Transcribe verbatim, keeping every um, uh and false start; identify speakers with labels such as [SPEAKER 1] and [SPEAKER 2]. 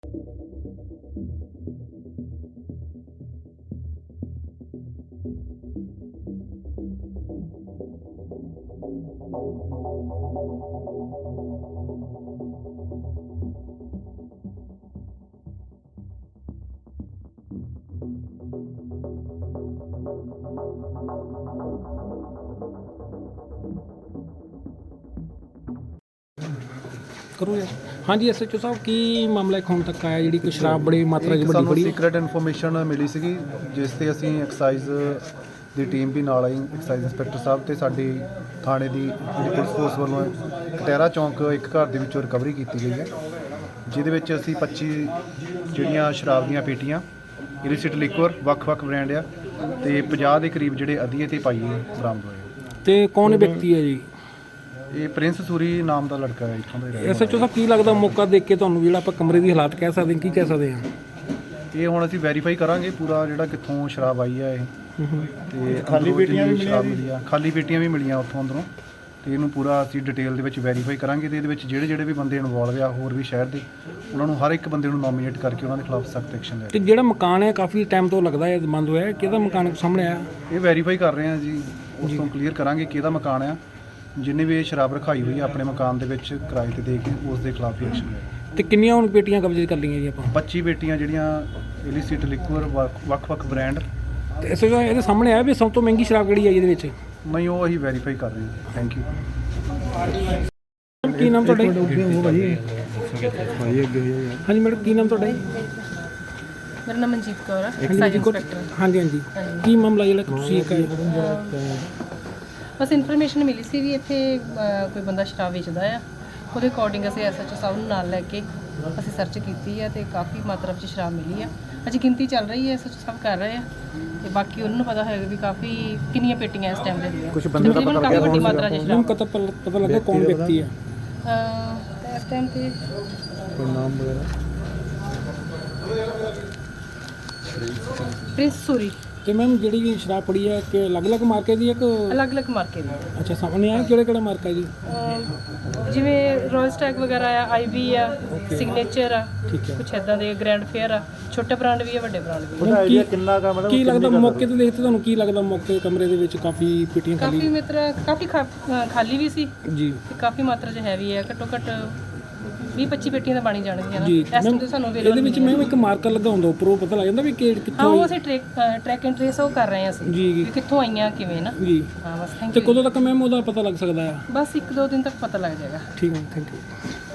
[SPEAKER 1] करो यार। हाँ जी एस एच ओ साहब की मामला एक ਹੁਣ ਤੱਕ ਆਇਆ ਜਿਹੜੀ ਕਿ ਸ਼ਰਾਬ ਬੜੀ ਮਾਤਰਾ 'ਚ ਵੱਡੀ
[SPEAKER 2] ਸਾਨੂੰ
[SPEAKER 1] ਬੜੀ
[SPEAKER 2] ਸੀਕ੍ਰੇਟ ਇਨਫੋਰਮੇਸ਼ਨ ਮਿਲੀ ਸੀਗੀ ਜਿਸ ਤੇ ਅਸੀਂ ਐਕਸਾਈਜ਼ ਦੀ ਟੀਮ ਵੀ ਨਾਲ ਆਈ, ਐਕਸਾਈਜ਼ ਇੰਸਪੈਕਟਰ ਸਾਹਿਬ ਤੇ ਸਾਡੀ ਥਾਣੇ ਦੀ ਜਿਹੜੀ ਪੁਲਿਸ ਫੋਰਸ ਵੱਲੋਂ ਕਟਹਿਰਾ ਚੌਂਕ ਇੱਕ ਘਰ ਦੇ ਵਿੱਚੋਂ ਰਿਕਵਰੀ ਕੀਤੀ ਗਈ ਹੈ, ਜਿਹਦੇ ਵਿੱਚ ਅਸੀਂ ਪੱਚੀ ਜਿਹੜੀਆਂ ਸ਼ਰਾਬ ਦੀਆਂ ਪੇਟੀਆਂ ਇਲਿਸਿਟ ਲਿਕਵਰ ਵੱਖ-ਵੱਖ ਬ੍ਰਾਂਡ ਆ ਤੇ ਪੰਜਾਹ ਦੇ ਕਰੀਬ ਜਿਹੜੇ ਅਧੀਏ ਤੇ ਪਾਈਏ ਬਰਾਮਦ ਹੋਏ।
[SPEAKER 1] ਤੇ ਕੌਣ ਵਿਅਕਤੀ ਹੈ ਜੀ?
[SPEAKER 2] ਇਹ ਪ੍ਰਿੰਸ ਸੂਰੀ ਨਾਮ ਦਾ ਲੜਕਾ ਹੈ ਇੱਥੋਂ ਦਾ।
[SPEAKER 1] ਐਸ ਐਚ ਓ ਸਾਹਿਬ ਕੀ ਲੱਗਦਾ ਮੌਕਾ ਦੇਖ ਕੇ ਤੁਹਾਨੂੰ ਜਿਹੜਾ ਆਪਾਂ ਕਮਰੇ ਦੀ ਹਾਲਾਤ ਕਹਿ ਸਕਦੇ ਹਾਂ, ਕੀ ਕਹਿ ਸਕਦੇ ਹਾਂ?
[SPEAKER 2] ਇਹ ਹੁਣ ਅਸੀਂ ਵੈਰੀਫਾਈ ਕਰਾਂਗੇ ਪੂਰਾ ਜਿਹੜਾ ਕਿੱਥੋਂ ਸ਼ਰਾਬ ਆਈ ਹੈ ਇਹ ਤੇ
[SPEAKER 3] ਖਾਲੀ ਪੇਟੀਆਂ ਵੀ
[SPEAKER 2] ਸ਼ਰਾਬ ਮਿਲੀ ਆ, ਖਾਲੀ ਪੇਟੀਆਂ ਵੀ ਮਿਲੀਆਂ ਉੱਥੋਂ ਅੰਦਰੋਂ, ਤੇ ਇਹਨੂੰ ਪੂਰਾ ਅਸੀਂ ਡਿਟੇਲ ਦੇ ਵਿੱਚ ਵੈਰੀਫਾਈ ਕਰਾਂਗੇ ਤੇ ਇਹਦੇ ਵਿੱਚ ਜਿਹੜੇ ਜਿਹੜੇ ਵੀ ਬੰਦੇ ਇਨਵੋਲਵ ਆ ਹੋਰ ਵੀ ਸ਼ਹਿਰ ਦੇ, ਉਹਨਾਂ ਨੂੰ ਹਰ ਇੱਕ ਬੰਦੇ ਨੂੰ ਨੋਮੀਨੇਟ ਕਰਕੇ ਉਹਨਾਂ ਦੇ ਖਿਲਾਫ ਸਖਤ ਐਕਸ਼ਨ ਲੈ।
[SPEAKER 1] ਤੇ ਜਿਹੜਾ ਮਕਾਨ ਹੈ ਕਾਫੀ ਟਾਈਮ ਤੋਂ ਲੱਗਦਾ ਹੈ ਬੰਦ ਹੋਇਆ ਹੈ, ਕਿਹਦਾ ਮਕਾਨ ਸਾਹਮਣੇ ਆਇਆ?
[SPEAKER 2] ਇਹ ਵੈਰੀਫਾਈ ਕਰ ਰਹੇ ਹਾਂ ਜੀ, ਉਸ ਤੋਂ ਕਲੀਅਰ ਕਰਾਂਗੇ ਕਿਹਦਾ ਮਕਾਨ ਆ, ਜਿੰਨੇ ਵੀ ਇਹ ਸ਼ਰਾਬ ਰਖਾਈ ਹੋਈ ਆ ਆਪਣੇ ਮਕਾਨ ਦੇ ਵਿੱਚ ਕਿਰਾਏ ਤੇ ਦੇ ਕੇ ਉਸ ਦੇ ਖਿਲਾਫ ਹੀ ਐਕਸ਼ਨ ਲੈ।
[SPEAKER 1] ਤੇ ਕਿੰਨੀਆਂ ਹੁਣ ਪੇਟੀਆਂ ਕਬਜ਼ੇ ਕਰ ਲਈਆਂ ਜੀ ਆਪਾਂ?
[SPEAKER 2] ਪੱਚੀ ਪੇਟੀਆਂ ਜਿਹੜੀਆਂ ਇਲਿਸਿਟ ਲਿਕਵਰ ਵੱਖ-ਵੱਖ ਬ੍ਰਾਂਡ।
[SPEAKER 1] ਤੇ ਐਸ ਐਚ ਓ ਇਹਦੇ ਸਾਹਮਣੇ ਆਇਆ ਵੀ ਸਭ ਤੋਂ ਮਹਿੰਗੀ ਸ਼ਰਾਬ ਕਿਹੜੀ ਹੈ ਇਹਦੇ ਵਿੱਚ?
[SPEAKER 2] ਨਹੀਂ, ਉਹ ਅਸੀਂ ਵੈਰੀਫਾਈ ਕਰ ਰਹੇ ਹਾਂ। Thank you.
[SPEAKER 1] ਕੀ ਨਾਮ ਤੁਹਾਡਾ? ਹਾਂਜੀ ਮੈਡਮ, ਕੀ ਨਾਮ ਤੁਹਾਡਾ ਜੀ?
[SPEAKER 4] ਮੇਰਾ ਨਾਮ ਮਨਜੀਤ ਕੌਰ ਹੈ,
[SPEAKER 1] ਹਾਂਜੀ
[SPEAKER 4] ਸਾਈਜ਼
[SPEAKER 1] ਜੀ, ਗੁੱਡ।
[SPEAKER 4] ਇੰਸਪੈਕਟਰ।
[SPEAKER 1] ਹਾਂਜੀ ਹਾਂਜੀ, ਕੀ ਮਾਮਲਾ ਜਿਹੜਾ ਕਿ ਤੁਸੀਂ ਇੱਕ
[SPEAKER 4] ਬਸ ਇਨਫੋਰਮੇਸ਼ਨ ਮਿਲੀ ਸੀ ਵੀ ਇੱਥੇ ਅਹ, ਕੋਈ ਬੰਦਾ ਸ਼ਰਾਬ ਵੇਚਦਾ ਆ, ਉਹਦੇ ਅਕੋਰਡਿੰਗ ਅਸੀਂ ਐਸ ਐਚ ਓ ਸਾਹਿਬ ਨੂੰ ਨਾਲ ਲੈ ਕੇ ਅਸੀਂ ਸਰਚ ਕੀਤੀ ਹੈ ਤੇ ਕਾਫੀ ਮਾਤਰਾ ਵਿੱਚ ਸ਼ਰਾਬ ਮਿਲੀ ਆ। ਅਜੇ ਗਿਣਤੀ ਚੱਲ ਰਹੀ ਹੈ, ਐਸ ਐਚ ਓ ਸਾਹਿਬ ਕਰ ਰਹੇ ਆ ਤੇ ਬਾਕੀ ਉਹਨਾਂ ਨੂੰ ਪਤਾ ਹੋਏਗਾ ਵੀ ਕਾਫੀ ਕਿੰਨੀਆਂ ਪੇਟੀਆਂ ਇਸ ਟਾਈਮ ਦੇ ਦੀਆਂ।
[SPEAKER 3] ਕੁਝ ਬੰਦੇ ਦਾ ਪਤਾ
[SPEAKER 4] ਕਾਫੀ ਵੱਡੀ ਮਾਤਰਾ 'ਚ
[SPEAKER 1] ਨੂੰ
[SPEAKER 4] ਸ਼ਰਾਬ
[SPEAKER 1] ਪਤਾ ਪਤਾ ਲੱਗਾ ਕੌਣ ਵਿਅਕਤੀ ਹੈ?
[SPEAKER 4] ਅਹ, ਇਸ ਟਾਈਮ ਤੇ
[SPEAKER 3] ਕੋਈ ਨਾਮ ਵਗੈਰਾ?
[SPEAKER 4] ਪ੍ਰਿੰਸ ਸੂਰੀ।
[SPEAKER 1] ਤੇ ਮੈਮ ਜਿਹੜੀ ਵੀ ਸ਼ਰਾਬ ਪੜੀ ਹੈ ਕਿ ਅਲੱਗ-ਅਲੱਗ ਮਾਰਕੇ ਦੀ ਹੈ ਕਿ?
[SPEAKER 4] ਅਲੱਗ-ਅਲੱਗ ਮਾਰਕੇ ਦੀ।
[SPEAKER 1] ਅੱਛਾ, ਸਾਹਮਣੇ ਆਇਆ ਕਿਹੜਾ ਕਿਹੜਾ ਮਾਰਕਾ ਹੈ ਜੀ?
[SPEAKER 4] ਅਹ, ਜਿਵੇਂ ਰੋਇਲ ਸਟੈਕ ਵਗੈਰਾ ਆ, ਆਈ ਵੀ ਆ, ਸਿਗਨੇਚਰ ਆ,
[SPEAKER 1] ਠੀਕ ਹੈ।
[SPEAKER 4] ਕੁਛ ਇੱਦਾਂ ਦੇ ਗ੍ਰੈਂਡ ਫੇਅਰ ਆ, ਛੋਟੇ ਬ੍ਰਾਂਡ ਵੀ ਆ, ਵੱਡੇ ਬ੍ਰਾਂਡ ਵੀ ਆ।
[SPEAKER 3] ਉਹਦਾ ਆਈਡੀਆ ਕਿੰਨਾ ਕਾ ਮੈਡਮ?
[SPEAKER 1] ਕੀ ਲੱਗਦਾ ਮੌਕੇ ਤੇ ਦੇਖਦੇ ਤੁਹਾਨੂੰ ਕੀ ਲੱਗਦਾ ਮੌਕੇ ਕਮਰੇ ਦੇ ਵਿੱਚ ਕਾਫੀ ਪੇਟੀਆਂ
[SPEAKER 4] ਕਾਫੀ
[SPEAKER 1] ਖਾਲੀ?
[SPEAKER 4] ਮਾਤਰਾ ਕਾਫੀ ਖਾ- ਅਹ ਖਾਲੀ ਵੀ ਸੀ
[SPEAKER 1] ਜੀ
[SPEAKER 4] ਤੇ ਕਾਫੀ ਮਾਤਰਾ 'ਚ ਹੈਵੀ ਹੈ, ਘੱਟੋ ਘੱਟ ਵੀਹ ਪੱਚੀ ਪੇਟੀਆਂ ਤਾਂ ਬਣੀ ਜਾਣਗੀਆਂ ਨਾ
[SPEAKER 1] ਜੀ
[SPEAKER 4] ਇਸ ਟਾਈਮ
[SPEAKER 1] ਮੈਮ,
[SPEAKER 4] ਤੇ ਸਾਨੂੰ
[SPEAKER 1] ਇਹਦੇ
[SPEAKER 4] available
[SPEAKER 1] ਵਿੱਚ
[SPEAKER 4] ਨਹੀਂ ਹੈ।
[SPEAKER 1] ਮੈਮ ਇੱਕ ਮਾਰਕਰ ਲੱਗਾ ਹੁੰਦਾ ਉੱਪਰੋਂ ਪਤਾ ਲੱਗ ਜਾਂਦਾ ਵੀ ਕਿ
[SPEAKER 4] ਹਾਂ,
[SPEAKER 1] ਕਿੱਥੋਂ?
[SPEAKER 4] ਉਹ ਅਸੀਂ ਟ੍ਰੈਕ ਟਰੈਕ ਐਂਡ ਟ੍ਰੇਸ ਉਹ ਕਰ ਰਹੇ ਹਾਂ ਅਸੀਂ
[SPEAKER 1] ਜੀ
[SPEAKER 4] ਵੀ ਕਿੱਥੋਂ ਆਈਆਂ ਕਿਵੇਂ ਨਾ।
[SPEAKER 1] ਜੀ।
[SPEAKER 4] ਹਾਂ ਬਸ ਥੈਂਕ
[SPEAKER 1] ਤੇ
[SPEAKER 4] ਯੂ।
[SPEAKER 1] ਕਦੋਂ ਤੱਕ ਮੈਮ ਉਹਦਾ ਪਤਾ ਲੱਗ ਸਕਦਾ ਆ?
[SPEAKER 4] ਬਸ ਇੱਕ ਦੋ ਦਿਨ ਤੱਕ ਪਤਾ ਲੱਗ ਜਾਏਗਾ।
[SPEAKER 1] ਠੀਕ ਹੈ, ਥੈਂਕ ਯੂ।